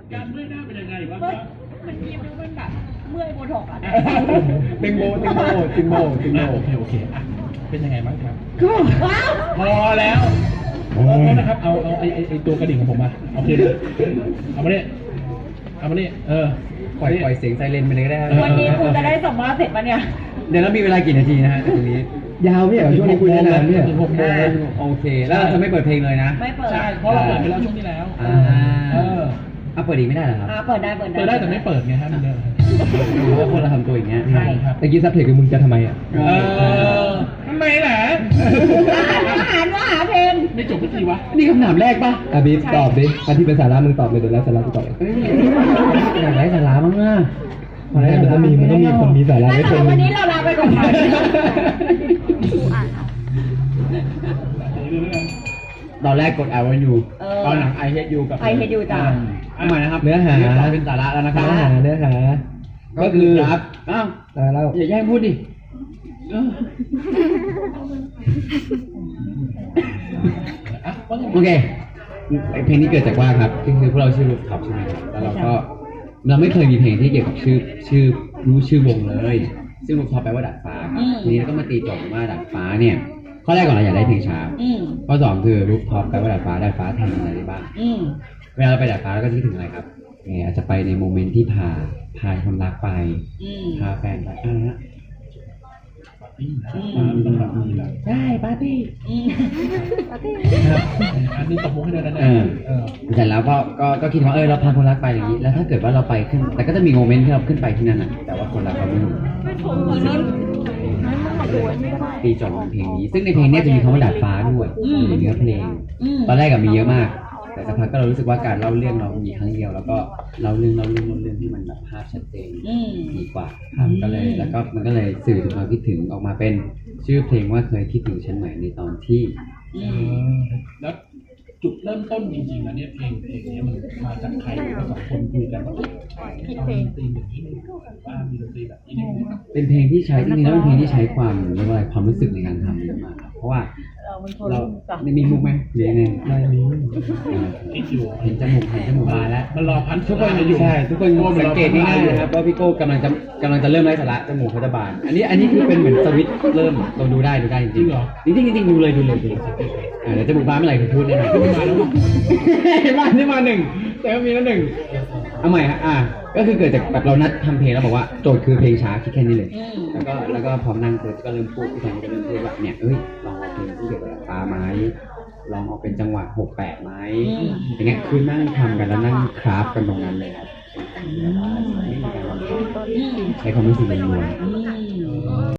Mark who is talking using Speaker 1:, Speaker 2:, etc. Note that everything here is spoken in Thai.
Speaker 1: การเมื่อยหน้าเป็นยังไงบ้าง
Speaker 2: ก็มันยิ้มแล้วมันแบบเมื่อยโบท็อกซ์อ่ะ
Speaker 3: ติงโบ
Speaker 1: โอเคอ่ะเป็นยังไงบ้างครับ
Speaker 2: ว้าว
Speaker 1: พอแล้วโอ้นะครับเอาไอตัวกระดิ่งของผมมาโอเคเลยเอามาเนี่ย
Speaker 3: ปล่อยเสียงไซเรนไปเลยก็ได้
Speaker 2: วันนี้คุณจะได้สัมภาษณ์เสร็จปะเนี่ย
Speaker 3: เดี๋ยวเรามีเวลากี่นาทีนะฮะตรงนี้ยาวไม่เหรอช่วงนี้คุยได้นานเนี่ยโอเคแล้วเราจะไม่เปิดเพลงเลยนะ
Speaker 2: ไม่เปิด
Speaker 1: ใช่เพราะเราเปิดไปแล้วช่วงที่แล้ว
Speaker 3: เปิดอีกไม่ได้เหรอครับ
Speaker 2: เปิดได้
Speaker 1: เปิดได้แต่ไม่เปิดไงฮะมันเดิม
Speaker 3: หรือว่าคนเราทำตัวอย่างเงี้ย
Speaker 1: ใช่ครับ
Speaker 3: ตะกี้ซับเพลงมึงจะทำไมอ่ะ
Speaker 1: ทำไมล่ะ
Speaker 2: ว่าหาเพลง
Speaker 1: ไม่จบสักทีวะ
Speaker 3: นี่คำถามแรกป่ะอ่ะบีตอบดิอันที่เป็นสาระมึงตอบเลยเดี๋ยวแล้วสาระกูตอบอยากได้สาระมั้งอ่ะมันต้องมีคนมีสาระไว้คน
Speaker 2: วันนี้เราลาไปก่อนค่ะ
Speaker 3: ตอนแรกกด I want you ตอนหลัง I hate you กับ
Speaker 2: I hate you จ้ะ
Speaker 3: ทำไมนะครับเนื้อหาเป็นสาระแล้วนะครับเนื้อหาก็คือครับอ้าวเราอย่าแย่งพูดดิโอเคเพลงนี้เกิดจากว่าครับคือพวกเราชื่อรูปท็อปใช่ไหมครับแล้วเราไม่เคยมีเพลงที่เกี่ยวกับชื่อวงเลยซึ่งรูปท็อปแปลว่าดาดฟ้าทีนี้เราก็มาตีโจทย์ว่าดาดฟ้าเนี่ยข้อแรกก่อนเราอยากได้เพลงช้าข้อสองคือรูปท็อปแปลว่าดาดฟ้าแทนอะไรได้บ้างเวลาเราไปดาดฟ้าเราก็คิดถึงอะไรครับอาจจะไปในโมเมนต์ที่พาคนรักไปพาแฟนไปฮะใช่ปาร์ตี้
Speaker 1: อันนี้ตบมุกให้ด้วยนะ
Speaker 3: เสร็จแล้วก็คิดว่าเราพาคนรักไปอย่างนี้แล้วถ้าเกิดว่าเราไปขึ้นแต่ก็จะมีโมเมนต์ที่เราขึ้นไปที่นั่นน่ะแต่ว่าคนรักเราไม่รู้ตีจบเพลงนี้ซึ่งในเพลงนี้จะมีคำว่าดาดฟ้าด้วยในเนื้อเพลงตอนแรกมีเยอะมากแต่สักพักก็เรารู้สึกว่าการเล่าเรื่องเรามีครั้งเดียวแล้วก็เล่าเรื่องที่มันแบบภาพชัดเจนดีกว่าครับก็เลยแล้วก็มันก็เลยสื่อถึงความคิดถึงออกมาเป็นชื่อเพลงว่าเคยคิดถึงฉันไหมในตอนที่
Speaker 1: แล้วจุดเริ่มต้นจริงๆแล้วเนี่ยเพลงนี้มันมาจากใครเราสองคนคุยกันว่าคิดเพลงตีอย่างนี้ว่ามีดนตรีแบบนี้
Speaker 3: เป็นเพลงที่ใช้จริงๆแล้วเป็นเพลงที่ใช้ความเรียกว่าความรู้สึกในการทำเยอะมากครับเพราะว่าเราไม่มีมุกไหมหรือไงไม่มีเห็นจมูกมาแล้ว
Speaker 1: มันรอพัน
Speaker 3: ทุกคนอยู่ใช่ทุกคนสังเกตง่ายๆนะครับว่าพี่โก้กำลังจะเริ่มไร้สาระจมูกเขาจะบานอันนี้คือเป็นเหมือนสวิตช์เริ่มเราดูได้จริงๆจริงดูเลยเดี๋ยวจมูกบานเมื่อไหร่ผมพูดแน่นอนมาแล้วมาหนึ่งแต่ก็มีแล้วหนึ่งเอาใหม่ฮะก็คือเกิดจากแบบเรานัดทำเพลงแล้วบอกว่าโจทย์คือเพลงช้าคิดแค่นี้เลยแล้วก็พอนั่งก็เริ่มพูดพี่แทนก็เริ่มพูดว่าเนี่ยลองเอาเพลงที่เกี่ยวกับปลาไม้ลองเอาเป็นจังหวะ6/8ไหมอย่างเงี้ยคือนั่งทำกันแล้วนั่งคราฟกันตรงนั้นเลยครับไม่มีการวางแผนใช้ความรู้สึกล้วน